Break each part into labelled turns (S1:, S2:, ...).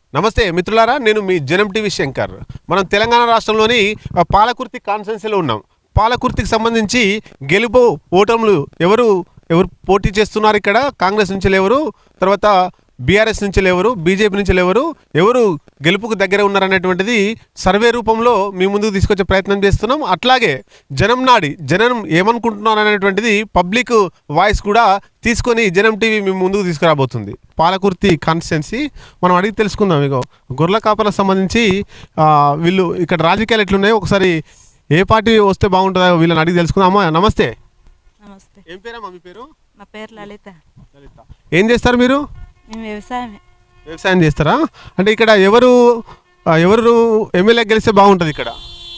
S1: నమస్తే మిత్రులారా, నేను మీ జనం టీవీ శంకర్. మనం తెలంగాణ రాష్ట్రంలోని పాలకుర్తి కాన్స్టిట్యున్సీలో ఉన్నాం. పాలకుర్తికి సంబంధించి గెలుపు ఓటములు ఎవరు పోటీ చేస్తున్నారు ఇక్కడ? కాంగ్రెస్ నుంచి ఎవరు, తర్వాత బీఆర్ఎస్ నుంచి ఎవరు, బీజేపీ నుంచి ఎవరు గెలుపుకు దగ్గర ఉన్నారనేటువంటిది సర్వే రూపంలో మీ ముందుకు తీసుకొచ్చే ప్రయత్నం చేస్తున్నాం. అట్లాగే జనం ఏమనుకుంటున్నారు అనేటువంటిది పబ్లిక్ వాయిస్ కూడా తీసుకొని జనం టీవీ మీ ముందుకు తీసుకురాబోతుంది. పాలకుర్తి కాన్స్టిట్యున్సీ మనం అడిగి తెలుసుకుందాం. ఇగో గొర్రెల కాపలకు సంబంధించి వీళ్ళు ఇక్కడ రాజకీయాలు ఎట్లున్నాయో ఒకసారి ఏ పార్టీ వస్తే బాగుంటుందో వీళ్ళని అడిగి తెలుసుకుందాం. అమ్మా నమస్తే.
S2: నమస్తే.
S1: ఏం పేరమ్మా మీ పేరు?
S2: నా పేరు లలిత.
S1: ఏం చేస్తారు మీరు?
S2: మేము
S1: వ్యవసాయం చేస్తారా? అంటే ఇక్కడ ఎవరు ఎమ్మెల్యే గెలిస్తే బాగుంటుంది ఇక్కడ?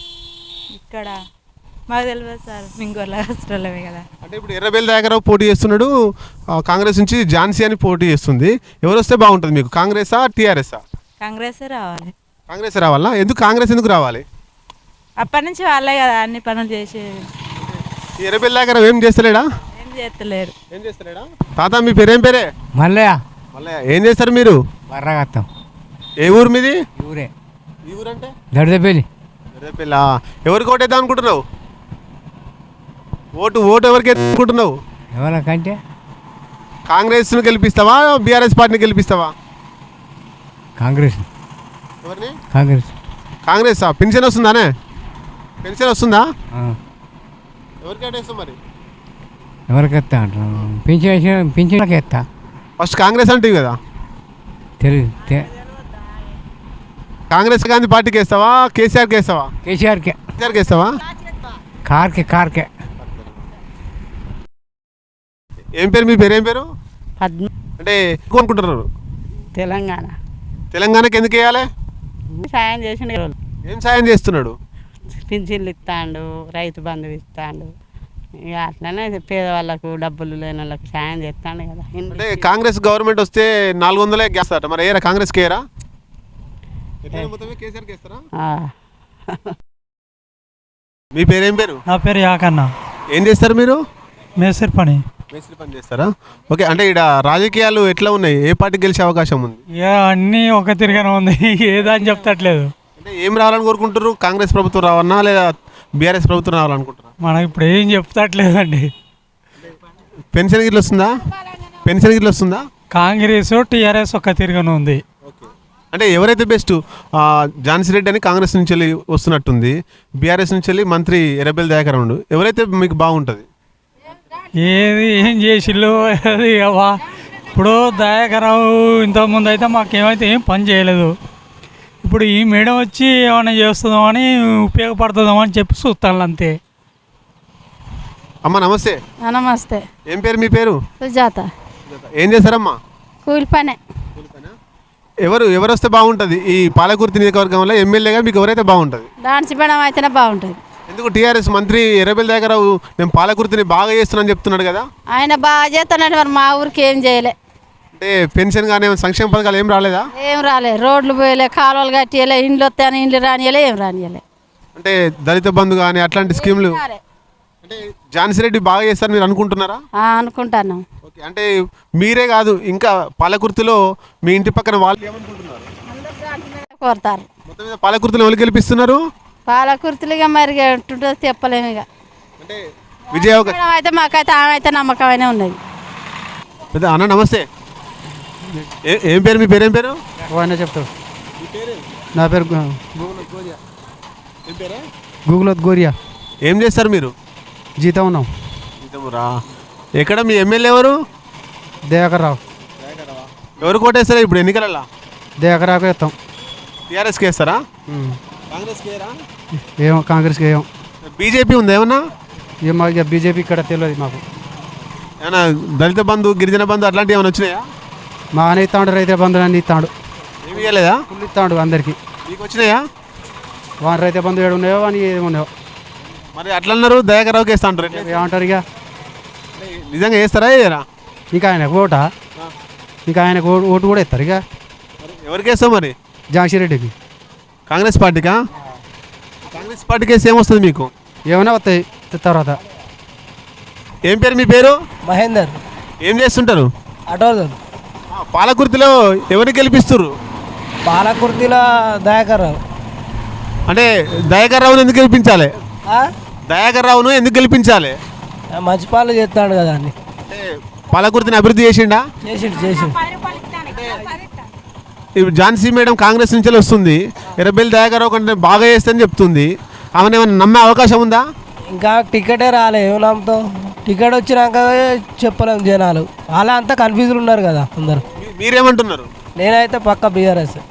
S2: మాకు తెలియదు సార్, మేము గొల్లమే కదా.
S1: అంటే ఇప్పుడు ఎర్రబెల్లి దయాకర్రావు పోటీ చేస్తున్నాడు, కాంగ్రెస్ నుంచి ఝాన్సీ అని పోటీ చేస్తుంది. ఎవరు వస్తే బాగుంటుంది మీకు? కాంగ్రెసా టీఆర్ఎస్ఆ?
S2: కాంగ్రెస్ రావాలి.
S1: కాంగ్రెస్ రావాలా? కాంగ్రెస్ ఎందుకు రావాలి?
S2: అప్పటి నుంచి వాళ్ళే కదా అన్ని పనులు చేసేది.
S1: ఎర్రబెల్లి దయాకర్రావు ఏం చేస్తలేడా?
S2: ఏం చేస్తలేడా?
S1: తాత మీ పేరేం పేరే?
S3: మల్లయ్య.
S1: ఏం చేస్తారు మీరు?
S3: వర్రగత్తాం.
S1: ఏ ఊరు మీది?
S3: ఊరే.
S1: ఈ ఊరంటే
S3: దడిదపల్లి.
S1: దడిదపల్లి. ఎవరికి ఓటేద్దాం అనుకుంటున్నావు? ఓటు ఎవరికి అనుకుంటున్నావు?
S3: ఎవరికంటే
S1: కాంగ్రెస్ను గెలిపిస్తావా, బీఆర్ఎస్ పార్టీని గెలిపిస్తావా?
S3: కాంగ్రెస్.
S1: ఎవరిని?
S3: కాంగ్రెస్.
S1: పెన్షన్ వస్తుందానే? పెన్షన్ వస్తుందా? ఎవరికి ఓటేస్తావు మరి?
S3: ఎవరికి ఎత్తా అంటారు? పింఛన్లకి ఎత్తా.
S1: ఫస్ట్ కాంగ్రెస్ అంటే కదా
S3: తెలుగు.
S1: కాంగ్రెస్ గాంధీ పార్టీకి వేస్తావా, కేసీఆర్కి వేస్తావా?
S3: కేసీఆర్కే.
S1: కేసీఆర్కి వేస్తావా?
S3: కార్కే.
S1: ఏం పేరు మీ పేరు? ఏం పేరు?
S4: పద్మ.
S1: అంటే ఎక్కువ అనుకుంటున్నారు తెలంగాణకి ఎందుకు వేయాలి?
S4: సాయం చేసిండు.
S1: ఏం సాయం చేస్తున్నాడు?
S4: పింఛన్లు ఇస్తాడు, రైతు బంధు ఇస్తాడు, ఇక అట్లనే పేదవాళ్ళకు డబ్బులు లేని వాళ్ళకి సాయం చేస్తాడు కదా.
S1: అంటే కాంగ్రెస్ గవర్నమెంట్ వస్తే 400 గ్యాస్ అట, మరి ఏరా కాంగ్రెస్కి ఏరా? మీ పేరేం పేరు?
S5: నా పేరు యాకన్న.
S1: ఏం చేస్తారు మీరు?
S5: మేస్త్రి పని
S1: చేస్తారా? ఓకే. అంటే ఇక్కడ రాజకీయాలు ఎట్లా ఉన్నాయి? ఏ పార్టీ గెలిచే అవకాశం ఉంది?
S5: ఇక అన్నీ ఒక తిరిగానే ఉంది, ఏదని చెప్తట్లేదు.
S1: అంటే ఏం రావాలని కోరుకుంటారు? కాంగ్రెస్ ప్రభుత్వం రావన్నా లేదా బీఆర్ఎస్ ప్రభుత్వం రావాలనుకుంటారా?
S5: మనకి ఇప్పుడు ఏం చెప్తట్లేదండి.
S1: పెన్షన్ గిట్ల వస్తుందా? కాంగ్రెస్
S5: టీఆర్ఎస్ ఒక తిరిగానే ఉంది.
S1: అంటే ఎవరైతే బెస్ట్? ఝాన్సీ రెడ్డి అని కాంగ్రెస్ నుంచి వెళ్ళి వస్తున్నట్టుంది, బీఆర్ఎస్ నుంచి వెళ్ళి మంత్రి ఎర్రబెల్లి దయాకర్రావు. ఎవరైతే మీకు బాగుంటుంది?
S5: ఏం చేసిళ్ళు అది ఇప్పుడు దయాకర్రావు ఇంతకుముందు అయితే మాకేమైతే ఏం పని చేయలేదు. ఇప్పుడు ఈ మేడం వచ్చి ఏమైనా చేస్తుందాం అని, ఉపయోగపడుతుందాం అని చెప్పి చూస్తాను అంతే.
S1: అమ్మ నమస్తే.
S4: నమస్తే.
S1: ఏం పేరు మీ పేరు?
S4: సుజాత.
S1: ఏం చేస్తారమ్మా?
S4: కూలి పనే.
S1: ఎవరు వస్తే బాగుంటుంది ఈ పాలకుర్తి నియోజకవర్గంలో ఎమ్మెల్యేగా? మీకు ఎవరైతే బాగుంటుంది?
S4: డాన్స్ మేడం అయితేనే బాగుంటుంది.
S1: ఎందుకు? టీఆర్ఎస్ మంత్రి ఎర్రబెల్లి దయాకర్రావు నేను పాలకుర్తిని బాగా చేస్తున్నాను చెప్తున్నాడు కదా.
S4: ఆయన బాగా చేస్తున్నాడు, మరి మా ఊరికి ఏం చేయలే.
S1: అంటే పెన్షన్ కానీ సంక్షేమ పథకాలు ఏం రాలేదా?
S4: ఏం రాలే, రోడ్లు పోయలే, కాలువలు కట్టియలే, ఇండ్లు వస్తాయని ఇండ్లు రానియలే, ఏం రానియలే.
S1: అంటే దళిత బంధు కానీ అట్లాంటి స్కీములు. అంటే ఝాన్సీ రెడ్డి బాగా చేస్తారు మీరు అనుకుంటున్నారా?
S4: అనుకుంటాను.
S1: ఓకే. అంటే మీరే కాదు, ఇంకా పాలకుర్తిలో మీ ఇంటి పక్కన వాళ్ళు ఏమనుకుంటున్నారు?
S4: కోరుతారు.
S1: మొత్తం మీద పాలకుర్తిలో ఎవరు గెలిపిస్తున్నారు?
S4: పాలకుర్తిగా మరి చెప్పలేము. ఇక
S1: అంటే విజయ
S4: అయితే మాకైతే ఆమె అయితే నమ్మకమైనా ఉన్నది.
S1: అన్న నమస్తే. ఏం పేరు మీ పేరు? ఏం పేరు?
S3: చెప్తాడు. నా పేరు గూగుల్ గోరియా.
S1: ఏం చేస్తారు మీరు?
S3: జీతం ఉన్నాం.
S1: జీతమురా. ఎక్కడ మీ ఎమ్మెల్యే ఎవరు?
S3: దయాకర్రావు.
S1: ఎవరు కోటేస్తారా ఇప్పుడు ఎన్నికలలో?
S3: దయాకర్రావుకి వేస్తాం.
S1: టీఆర్ఎస్కి వేస్తారా?
S3: ఏమో కాంగ్రెస్కి ఏమో.
S1: బీజేపీ ఉందా ఏమన్నా?
S3: మాకు బీజేపీ ఇక్కడ తెలియదు మాకు.
S1: ఏమన్నా దళిత బంధు, గిరిజన బంధు అట్లాంటివి ఏమైనా వచ్చినాయా?
S3: మా అని ఇస్తాడు, రైతు బంధువులు అన్నీ ఇస్తాడు.
S1: ఏమి ఇవ్వలేదా?
S3: ఫుల్ ఇస్తాడు అందరికి.
S1: మీకు వచ్చినాయా?
S3: వాని రైతు బంధువు ఏడు ఉన్నాయో అని ఏమి ఉన్నాయో.
S1: మరి అట్లా అన్నారు దయాకర్రావుకి వేస్తా అంటారు.
S3: ఏమంటారు? ఇక
S1: నిజంగా వేస్తారా? వేయరా?
S3: ఇంకా ఆయనకు ఓటా? ఇంకా ఆయనకు ఓటు కూడా ఇస్తారు. ఇక
S1: ఎవరికి వేస్తావు మరి?
S3: ఝాన్సీ రెడ్డికి.
S1: కాంగ్రెస్ పార్టీకా? కాంగ్రెస్ పార్టీకి వేస్తే ఏమొస్తుంది మీకు?
S3: ఏమైనా వస్తాయి తర్వాత.
S1: ఏం పేరు మీ పేరు?
S6: మహేందర్.
S1: ఏం చేస్తుంటారు?
S6: ఆటో.
S1: పాలకుర్తిలో ఎవరిని గెలిపిస్తారు?
S6: పాలకుర్తిలో దయాకర్ రావు.
S1: అంటే దయాకర్ రావును ఎందుకు గెలిపించాలి?
S6: ఆ?
S1: దయాకర్ రావును ఎందుకు గెలిపించాలి?
S6: మంచి పాలన చేస్తాడు కదా అన్ని.
S1: అంటే పాలకుర్తిని అభివృద్ధి చేసిండా?
S6: చేసిండు.
S1: ఇప్పుడు ఝాన్సీ మేడం కాంగ్రెస్ నుంచి వస్తుంది, ఎర్రబెల్లి దయాకర్ రావు కంటే బాగా చేస్తుందని చెప్తుంది. ఆమెను ఏమైనా నమ్మే అవకాశం ఉందా?
S6: ఇంకా టికెటే రాలే, ఏం నమ్ముతావు? టికెట్ వచ్చినాక చెప్పలేము జనాలు. అలా అంతా కన్ఫ్యూజన్ ఉన్నారు కదా అందరు.
S1: మీరేమంటున్నారు?
S6: నేనైతే పక్క బీఆర్ఎస్.